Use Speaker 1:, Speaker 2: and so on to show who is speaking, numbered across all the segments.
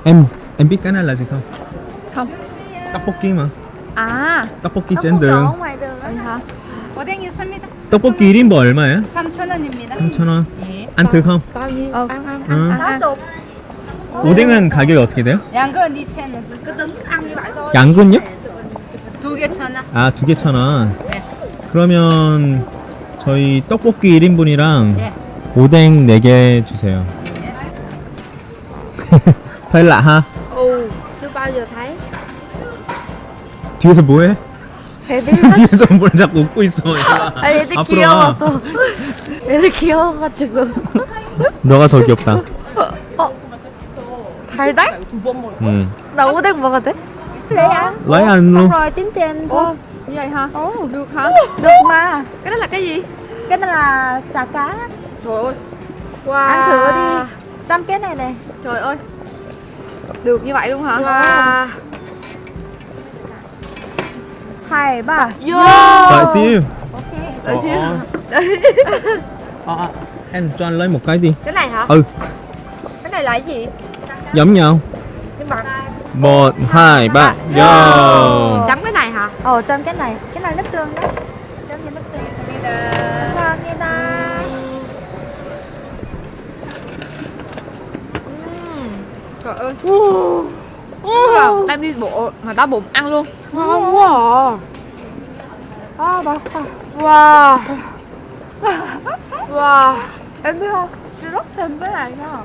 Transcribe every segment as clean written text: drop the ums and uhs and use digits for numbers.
Speaker 1: Em biết cái này là gì không?
Speaker 2: Không.
Speaker 1: Tteokbokki mà.
Speaker 2: À,
Speaker 1: 떡볶이 젠등.
Speaker 3: ngoài đường á.
Speaker 2: vậy hả?
Speaker 3: 오뎅 있습니다.
Speaker 1: 떡볶이 1인분 얼마예요?
Speaker 3: 3,000원입니다.
Speaker 1: 3,000원.
Speaker 3: 예.
Speaker 1: ăn thử không?
Speaker 2: Bao nhiêu? Ăn.
Speaker 1: Ừ.
Speaker 2: Ăn.
Speaker 1: 오뎅은 가격이 어떻게 돼요?
Speaker 3: 양은 2,000원. cứ tính ăn như vậy thôi.
Speaker 1: 양근요?
Speaker 3: 2개 1,000원.
Speaker 1: 아, 2개 1,000원.
Speaker 3: 네.
Speaker 1: 그러면 저희 떡볶이 1인분이랑
Speaker 3: 예.
Speaker 1: 오뎅 4개 주세요. hơi lạ ha.
Speaker 2: Ừ, chưa bao giờ thấy.
Speaker 1: 뒤에서 뭐해?
Speaker 2: 애들이
Speaker 1: 뒤에서 뭘 자꾸 웃고 있어.
Speaker 2: 아니, 애들
Speaker 1: 앞으로
Speaker 2: 귀여워서. 애들 귀여워가지고.
Speaker 1: 너가 더 귀엽다.
Speaker 2: 달달?
Speaker 1: 응.
Speaker 2: 나 오뎅 먹어도 돼? Lấy ăn.
Speaker 1: lấy ăn luôn.
Speaker 2: Rồi tính tiền thôi.
Speaker 4: Như vậy hả? Được hả?
Speaker 2: Được mà.
Speaker 4: Cái đó là cái gì?
Speaker 2: Cái này là chả cá.
Speaker 4: Trời ơi. Wow.
Speaker 2: Ăn thử đi. Chăm cái này này.
Speaker 4: Trời ơi. Được như vậy luôn hả?
Speaker 2: Wow. 2, 3.
Speaker 4: Vô.
Speaker 1: Đợi xíu.
Speaker 4: Đợi xíu.
Speaker 1: Em cho anh lấy một cái đi.
Speaker 4: Cái này hả?
Speaker 1: Ừ,
Speaker 4: Cái này là cái gì?
Speaker 1: giống nhau.
Speaker 4: Nhưng mà
Speaker 1: 1, 2, 3, vô.
Speaker 4: chấm cái này hả?
Speaker 2: Chăm cái này. Cái này nước tương đấy. Chăm như nước tương. 감사합니다.
Speaker 4: Trời ơi. Tức là đang đi bộ mà đau bụng ăn luôn.
Speaker 2: Ngon quá à. À, bà.
Speaker 4: Wow. Wow.
Speaker 2: Em biết không? Chị rất thèm cái này nha.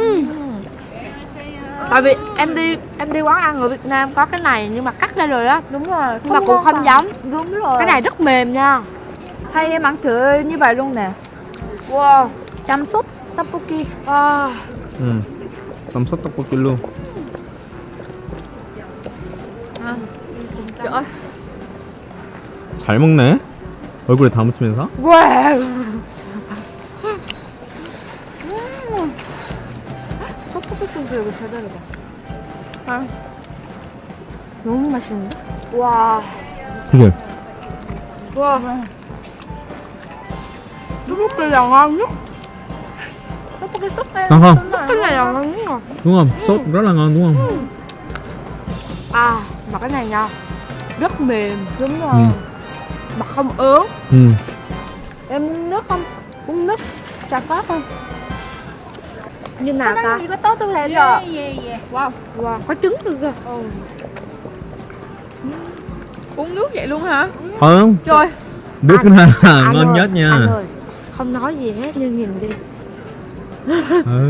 Speaker 4: Tại vì em đi quán ăn ở Việt Nam có cái này nhưng mà cắt ra rồi đó.
Speaker 2: Đúng rồi.
Speaker 4: Nhưng mà cũng không giống.
Speaker 2: Đúng rồi.
Speaker 4: Cái này rất mềm nha.
Speaker 2: hay em ăn thử như vậy luôn nè.
Speaker 4: Wow.
Speaker 2: Chăm sốt tteokbokki.
Speaker 4: Wow.
Speaker 1: 응. 쌈 떡볶이 luôn.
Speaker 4: Trời ơi.
Speaker 1: 잘 먹네. 얼굴에 다 묻히면서.
Speaker 2: Wow. 떡볶이 소스 이거 제대로다.
Speaker 4: 아.
Speaker 2: 너무 맛있는데?
Speaker 4: Wow.
Speaker 1: 그게
Speaker 4: Wow.
Speaker 2: 떡볶이 là ngon nhất. 떡볶이 sốt đây.
Speaker 1: ngon không?
Speaker 4: Cái này là ngon nhất rồi.
Speaker 1: Đúng không? Sốt rất là ngon đúng không?
Speaker 4: À, mà cái này nha. Rất mềm.
Speaker 2: Đúng rồi.
Speaker 1: Ừ.
Speaker 4: Mà không ớn.
Speaker 1: Ừ.
Speaker 2: Em uống nước không? Uống nước chả có không?
Speaker 4: Như nào ta?
Speaker 2: 이거 떠도 되죠?
Speaker 3: 예예예.
Speaker 4: Wow. Wow, có trứng luôn kìa. Uống nước vậy luôn hả?
Speaker 1: Không,
Speaker 4: Trời.
Speaker 1: nước cái này là
Speaker 4: Anh
Speaker 1: ngon
Speaker 4: ơi,
Speaker 1: nhất nha.
Speaker 4: Anh ơi, không nói gì hết nhưng nhìn đi.
Speaker 1: Ừ.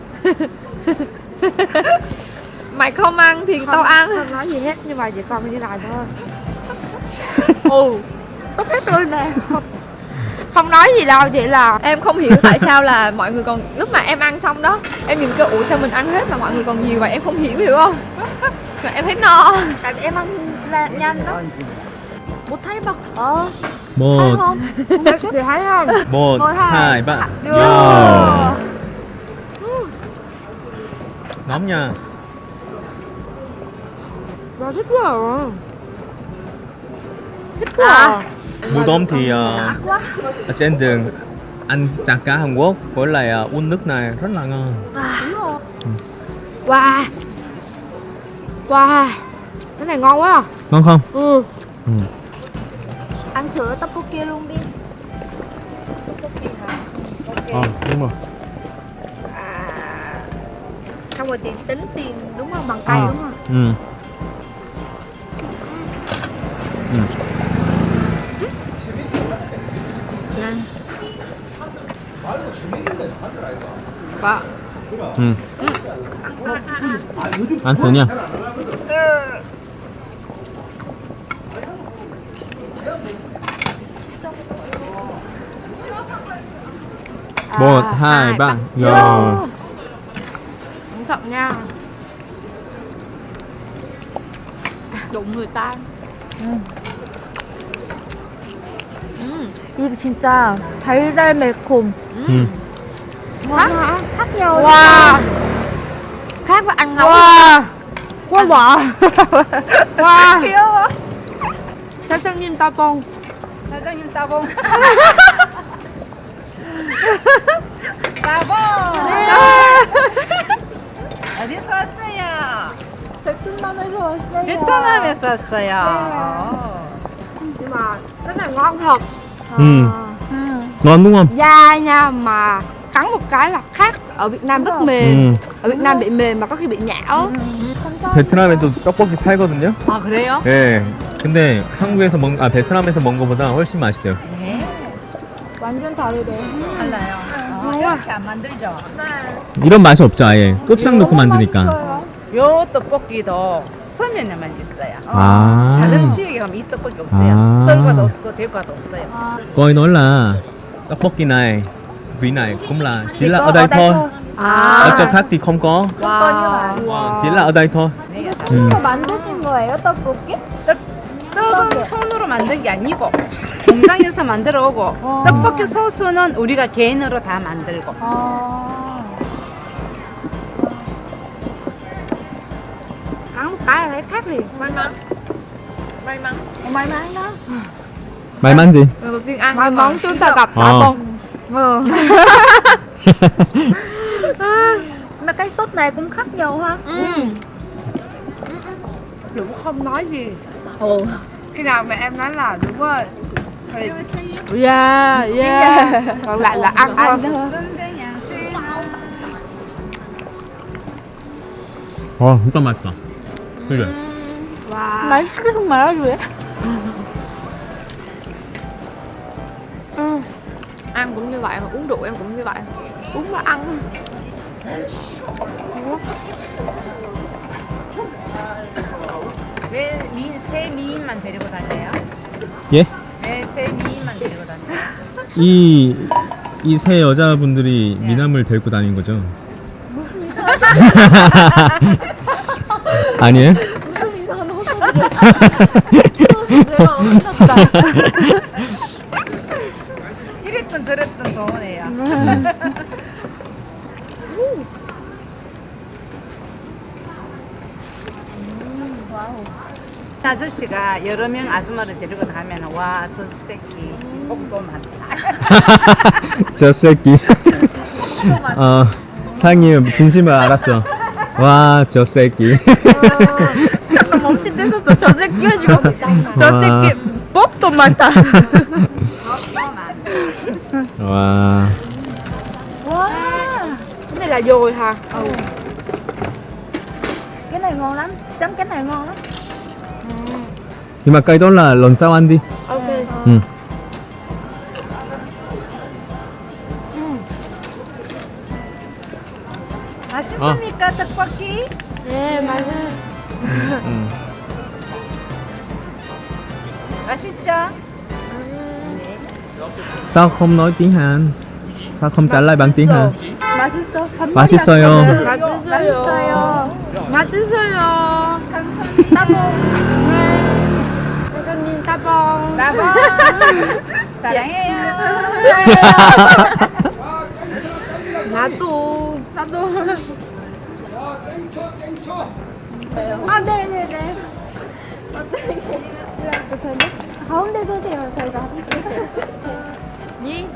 Speaker 4: Mày không ăn thì tao ăn. Không nói gì hết nhưng mà chỉ còn như này thôi. Ồ, sắp hết rồi nè. Không nói gì đâu, chỉ là em không hiểu tại sao là mọi người còn lúc mà em ăn xong đó em nhìn kêu ủa sao mình ăn hết mà mọi người còn nhiều vậy, em không hiểu không? Rồi em thấy no.
Speaker 2: Tại vì em ăn là nhanh đó. Một thấy bật. Thấy
Speaker 1: một,
Speaker 2: không?
Speaker 4: Em thì thấy không?
Speaker 1: một,
Speaker 2: Một, hai.
Speaker 1: hai, ba.
Speaker 2: Vô.
Speaker 1: Vô. Nóng nha.
Speaker 4: Wow, thích quá à.
Speaker 2: Thích quá à.
Speaker 1: Mùa đông thì ở trên đường ăn chả cá Hàn Quốc với lại uống nước này rất là ngon.
Speaker 4: Wow. Wow. Cái này ngon quá à.
Speaker 1: Ngon không?
Speaker 4: Ừ.
Speaker 1: Ừ.
Speaker 2: Ăn thử tteokbokki luôn đi.
Speaker 1: Đúng rồi.
Speaker 4: Xong rồi tính tiền đúng không? Bằng tay đúng không?
Speaker 1: Ừ. Ừ.
Speaker 4: Wow.
Speaker 1: Ừ. ăn thử nha. một, hai, ba, vô.
Speaker 4: Cẩn thận nha. Đụng người ta.
Speaker 2: 이거 진짜 달달 매콤.
Speaker 1: Ừ.
Speaker 2: khác nhau.
Speaker 4: Wow. Khác với ăn nấu.
Speaker 2: Wow. Quá bỏ.
Speaker 4: Wow.
Speaker 2: 귀여워.
Speaker 4: 사장님 따봉.
Speaker 3: 사장님 따봉.
Speaker 2: 따봉.
Speaker 3: 어디서 왔어요?
Speaker 2: 베트남에서 왔어요.
Speaker 3: 베트남에서 왔어요.
Speaker 4: Nhưng mà cái này ngon thật.
Speaker 1: Ngon đúng không?
Speaker 4: Da nha mà cắn một cái là khác. Ở Việt Nam rất mềm. ở Việt Nam bị mềm mà có khi bị nhão.
Speaker 1: 베트남에도 떡볶이 팔거든요.
Speaker 3: 아 그래요?
Speaker 1: 네. 근데 베트남에서 먹은 것보다 훨씬 맛있대요.
Speaker 3: 네.
Speaker 2: 완전 다르대.
Speaker 3: 달라요. 이렇게 안 만들죠?
Speaker 1: 이런 맛이 없죠, 아예. 고추장 넣고 만드니까.
Speaker 3: 요 떡볶이도 서면에만 있어요.
Speaker 1: 아.
Speaker 3: 다른 지역에 가면 이 떡볶이 없어요.
Speaker 1: 아.
Speaker 3: 서울과도 없고 대구과도 없어요.
Speaker 1: Coi nói là tteokbokki này, vị này cũng là chỉ là ở đây thôi. Ở chỗ khác thì không có. Chỉ là ở đây thôi.
Speaker 3: 네.
Speaker 2: 손으로 만드신 거예요, 떡볶이?
Speaker 3: 떡은 손으로 만든 게 아니고 공장에서 만들어 오고 떡볶이 소스는 우리가 개인으로 다 만들고.
Speaker 4: Cắn một cái là thấy khác liền. May mắn. May mắn.
Speaker 2: May mắn đó.
Speaker 1: May mắn gì?
Speaker 4: Lần đầu tiên ăn may mắn chúng ta gặp
Speaker 1: Ờ.
Speaker 4: con.
Speaker 2: Mà cái sốt này cũng khác nhau ha.
Speaker 4: Dũng không nói gì. Khi nào mẹ em nói là đúng rồi. Yeah. Còn lại là ăn thôi.
Speaker 1: 진짜 맛있다. 그래.
Speaker 4: Wow.
Speaker 2: 맛있게 좀 말아줘요.
Speaker 4: Ăn cũng như vậy mà uống rượu em cũng như vậy. Uống và ăn thôi.
Speaker 3: 왜 새 미인만 데리고 다녀요?
Speaker 1: 예?
Speaker 3: 왜 새 미인만 데리고 다녀요?
Speaker 1: 이 세 여자분들이 미남을 데리고 다닌 거죠? 아니에요?
Speaker 3: 이랬던 저랬던 좋은 애야. 아저씨가 여러 명 아줌마를 데리고 가면 와 저 새끼 복도 많다.
Speaker 1: 저 새끼. 상이 진심을 알았어. 와, 저 새끼.
Speaker 4: 잠깐 멈칫했었어. 저 새끼 해주고. 저
Speaker 1: 와.
Speaker 4: 새끼 뻑도 많다.
Speaker 1: 와.
Speaker 4: Cái này là dồi hả?
Speaker 2: Cái này ngon lắm. Chấm cái này ngon lắm.
Speaker 1: Nhưng mà cây đó là lần sau ăn đi.
Speaker 4: Ok.
Speaker 1: Ừ.
Speaker 3: 맛있습니까 떡볶이?
Speaker 4: 네, 맞아.
Speaker 1: Ừ.
Speaker 3: 맛있죠?
Speaker 1: Sao không nói tiếng Hàn? Sao không trả lời bằng tiếng Hàn?
Speaker 2: 맛있어. 밥
Speaker 1: 맛있어요.
Speaker 4: 맛있어요. 맛있어요.
Speaker 3: 따봉.
Speaker 4: 사장님 따봉.
Speaker 3: 따봉. 사랑해요.
Speaker 4: 나도.
Speaker 2: 아, 네네네. 가운데 서세요, 저희가.
Speaker 4: Nhi.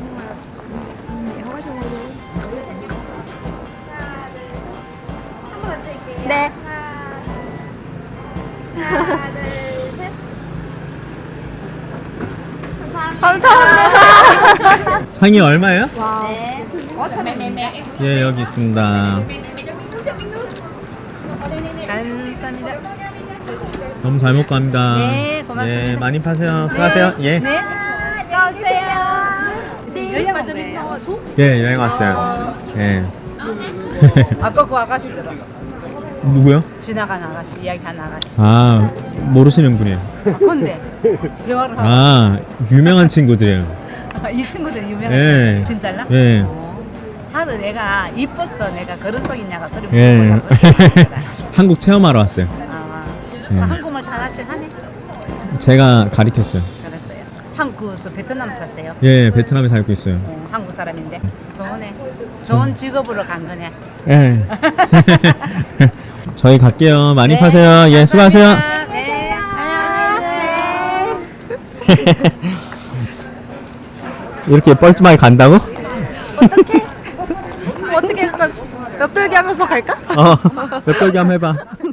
Speaker 2: 네. 감사합니다.
Speaker 1: 상이 얼마예요?
Speaker 3: 네. 5,000원.
Speaker 1: 예, 여기 있습니다.
Speaker 3: 감사합니다.
Speaker 1: 너무 잘 먹고 갑니다.
Speaker 3: 네, 고맙습니다.
Speaker 1: 예, 많이 파세요. 수고하세요. 예.
Speaker 3: 네. 안녕하세요. 네.
Speaker 1: 예, 여행 왔어요. 예.
Speaker 3: 아까 그 아가씨더라.
Speaker 1: 누구요?
Speaker 3: 지나간 아가씨, 이야기한 아가씨.
Speaker 1: 아, 모르시는 분이에요.
Speaker 3: 근데 대화를 하고
Speaker 1: 아, 유명한 친구들이에요.
Speaker 3: 이 친구들이 유명한
Speaker 1: 예.
Speaker 3: 친구 진짜라?
Speaker 1: 예.
Speaker 3: 하도 내가 이뻐서 내가 그런 쪽 있냐가 그리
Speaker 1: 예.
Speaker 3: 물어보려고.
Speaker 1: 한국 체험하러 왔어요.
Speaker 3: 아,
Speaker 1: 예.
Speaker 3: 한국말 다 하실 하네?
Speaker 1: 제가 가르쳤어요.
Speaker 3: 그랬어요. 한국 베트남 사세요?
Speaker 1: 예, 베트남에 살고 있어요.
Speaker 3: 한국 사람인데 좋네. 좋은 직업으로 간 거네.
Speaker 1: 예. 저희 갈게요. 많이
Speaker 3: 네,
Speaker 1: 파세요. 예, 수고하세요.
Speaker 3: 감사합니다. 네. 안녕하세요.
Speaker 1: 이렇게 뻘쭘하게 간다고?
Speaker 4: 어떻게 할까? 옆돌기 하면서 갈까?
Speaker 1: 몇 돌기 한번 해봐.